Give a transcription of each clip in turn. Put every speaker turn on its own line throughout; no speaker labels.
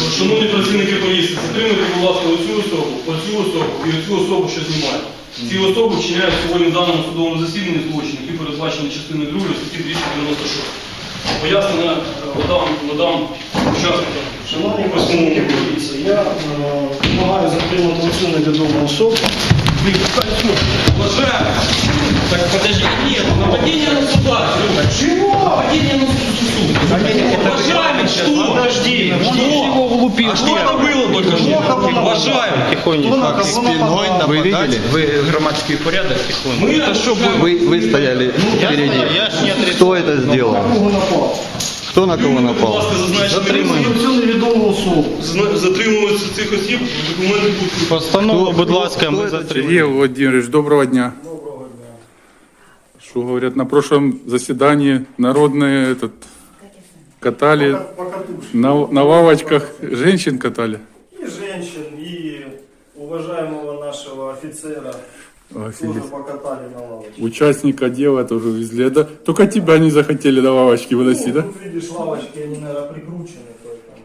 Шановні працівники поліції, затримуйте, будь ласка, оцю особу і оцю особу, що знімає. Ці особи вчиняють сьогодні в даному судовому засіданні злочин, які передбачені частиною 2 статті 296. Пояснення надам учасникам.
Шановні працівники поліції, я вимагаю затримати оцю невідому особу.
Уважаемый! Так подожди, нет, нападение на суда.
Чего?
Нападение на суда. Уважаемый, что?
Подожди,
А что это было только что? Уважаемый.
Тихонечко.
спиной
Вы видели?
Вы громадский порядок тихонько.
Мы
Вы стояли впереди.
Я ж не отрицаю.
Кто это сделал?
кого напав?
Кто на кого
Будь
напал?
ласка,
Затримати оцю невідому особу.
затримуються цих осіб, документи будуть.
Постанову, будь ласка,
Хто
ми
це?
затримуємо.
Сергей Владимирович, доброго дня. Доброго дня. Что говорят, на прошлом заседании народные катали,
Покатушки.
на лавочках женщин катали.
И женщин, и уважаемого нашего офицера тоже
Офигеть.
покатали на лавочке.
Участника дела тоже везли. Да? Только тебя не захотели на лавочке выносить, да?
Тут видишь, лавочки, они, наверное, прикручены. Поэтому.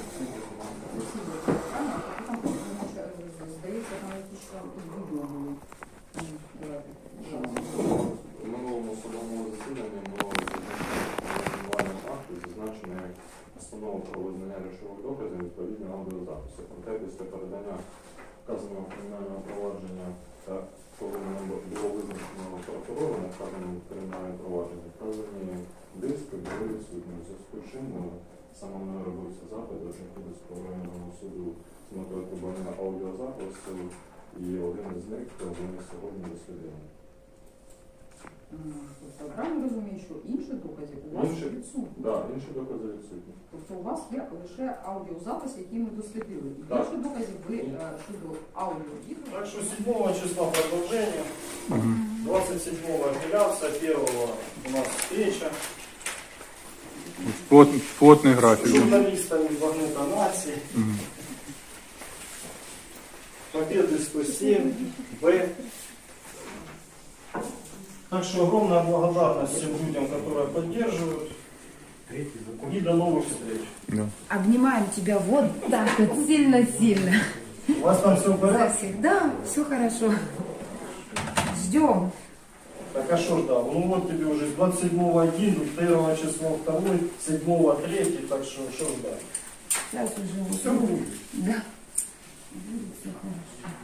У минулому судовому засіданні було обвинувальним акту зазначено як постанова про визнання речових доказів відповідно аудіозапису. Проте після передання вказаного кримінального провадження та коли було визначено прокурором вказаному кримінальному провадженні, вказані диски були відсутні. У зв'язку з чим саме мною робився запит до Житомирського районного суду з метою придбання аудіозапису, і один із них вони сьогодні дослідили.
Тобто, правильно розумію, що інших доказів у вас відсутні?
Так, інші докази відсутні.
Тобто у вас є лише аудіозапис, який ми дослідили. І
Так.
інших доказів ви щодо аудіо-відео.
Так что 7 числа продолжение, 27-го апелляция, 1-го у нас встреча
Плотный
с
график. Да?
журналистами Багнета Нации. Победы 107, Б. Так что огромная благодарность всем людям, которые поддерживают. И до новых встреч.
Обнимаем тебя вот так вот сильно-сильно.
У вас там все в порядке?
Да, все хорошо. Ждем.
Так а что ж, да, ну вот тебе уже с 27-го 1, 1 числа 2, 7-го 3, так что ждать?
Сейчас уже
Все будет.
Да. Будет все хорошо.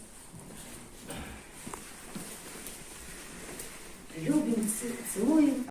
Любим, целуем.